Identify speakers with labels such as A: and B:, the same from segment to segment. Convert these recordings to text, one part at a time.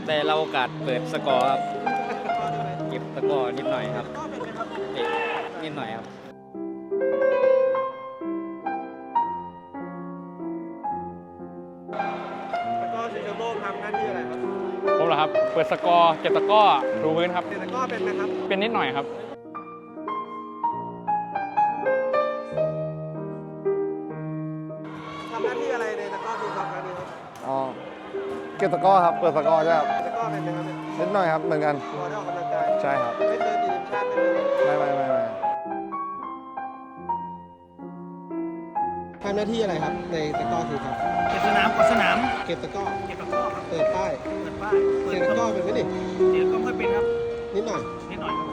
A: ได้รับโอกาสเปิดสกอร์ครับเก็บสกอร์นิดหน่อยครับเตะนิดหน่อยครับ
B: ตะกร้อชิงแชมป์โลกทำหน้าที่อะไรครับ
C: ผมเหรอครับ เปิดสกอร์เก็บตะกร้อดูพื้นครับ
B: ตะกร้อเป็นไหมครับ
C: เป็นนิดหน่อยครับ
B: ทำหน้าที่อะไรในตะกร้อทีมครับครั้งนี้ครับ
D: อ๋อเก็บตะกร้อครับเปิดตะกร้อใช่ครับ
B: ตะกร้อเป็นไหมครับเนี่ย
D: นิดหน่อยครับเหมือนกัน
B: พอได้ออกกำลังกาย
D: ใช่ครับ
B: ไม่เคยติดทีมชาติเลย
D: ไม่
B: ทำหน้าที่อะไรครับในตะกร้อทีมครับ
E: เก็บสนามกดสนาม
B: เก็บตะกร้อ
E: เก็บตะกร้อครับ
B: เปิดป้าย
E: เปิดป้ายเปิ
B: เก็
E: ด
B: บตะกร้อเป็นไหมดิ
E: เดี๋ยวก็ค่อยเป็นครับ
B: นิดหน่อย
E: นิดหน่อยครับ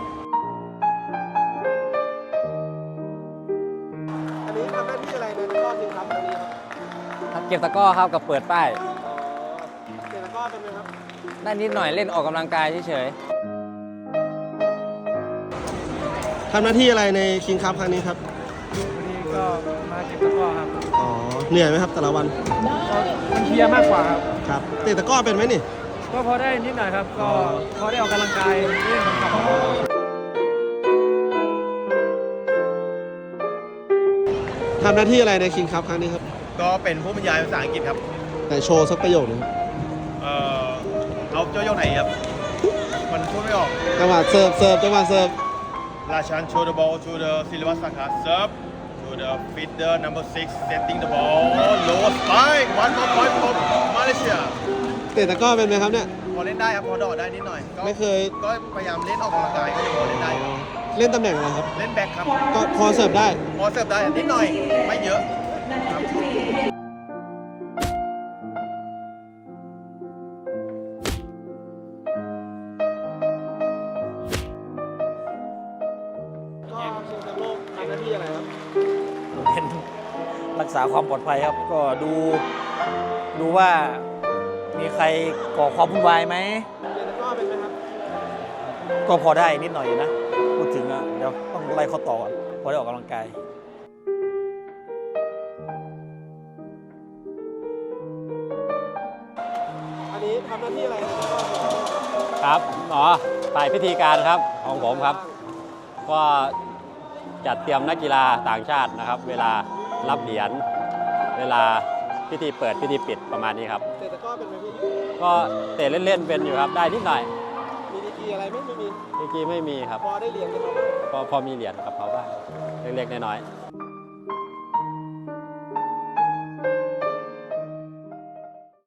B: อันนี้ทำหน้าที่อะไรในตะกร้อทีมครับครั้งนี้ครับ
A: เก็บตะกร้อครับกับเปิดป้าย
B: เก็บตะกร้อเป็นไหมครับ
A: ได้นิดหน่อยเล่นออกกำลังกายเฉย
B: ทำหน้าที่อะไรในคิงคัพครั้งนี้ครับ
E: วันนี้ก็มาเก็บตะกร้อครับ
B: อ๋อเหนื่อยไหมครับแต่ละวัน
E: มันเพลียมากกว่าครับ
B: ครับเตะตะกร้อเป็นไหมนี่
E: ก็พอได้นิดหน่อยครับ ก็พอได้ออกกำลังกายเล่นขำๆ
B: ทำหน้าที่อะไรในคิงคัพครั้งนี้ครับ
F: ก็เป็นผู้บรรยายภาษาอังกฤษครับ
B: แต่โชว์สักประโยคหนึงครับ
F: เอาเจ้าโยกไหนครับ มันพูดไม่ออก
B: จังหวะเสิร์ฟจังหวะเสิร์ฟ
F: ราชัน show the ball to the Silva Saka serve to the feeder number 6 setting the ball low spike one more point for Malaysia
B: เตะตะกร้อเป็นไหมครับเนี่ย
F: พอเล่นได้ครับ พอเดอได้นิดหน่อย
B: ไม่เคย
F: ก็พยายามเล่นออกกำลังกายก็ยังพอเล่นได้ครับ
B: เล่นตำแหน่งอะไรครับ
F: เล่นแบ็คครับ
B: ก็พอเสิร์ฟได้
F: พอเสิร์ฟได้นิดหน่อย ไม่เยอะครับ
B: ก็ชิงแชมป์โลกทำหน้าที่อะไรครับ
A: ๆเป็นรักษาความปลอดภัยครับ ก็ดูว่ามีใครก่อความวุ่นวายไหม
B: เตะตะกร้อเป็นไหมครับ
A: ก็พอได้นิดหน่อยอยู่นะ พูดถึงอะเดี๋ยวต้องไล่ข้อต่อก่อนพอได้ออกกำลังกาย
B: อันนี้ทำหน้าที่อะไรในตะกร้อครับ
G: ครับฝ่ายพิธีการครับของผมครับ ก็จัดเตรียมนักกีฬาต่างชาตินะครับ เวลารับเหรียญเวลาพิธีเปิดพิธีปิดประมาณนี้ครับ
B: เตะตะกร้อเป็นไหมพี่
G: ก็เตะเล่นๆเป็นอยู่ครับได้นิดหน่อย
B: มีดีกรีอะไรไหมไม่มี
G: เมื่อกี้ไม่มีครับ
B: พอได้เหรียญกันเขาบ้าง
G: พอมีเหรียญกับเขาบ้างเล็กๆน้อยๆ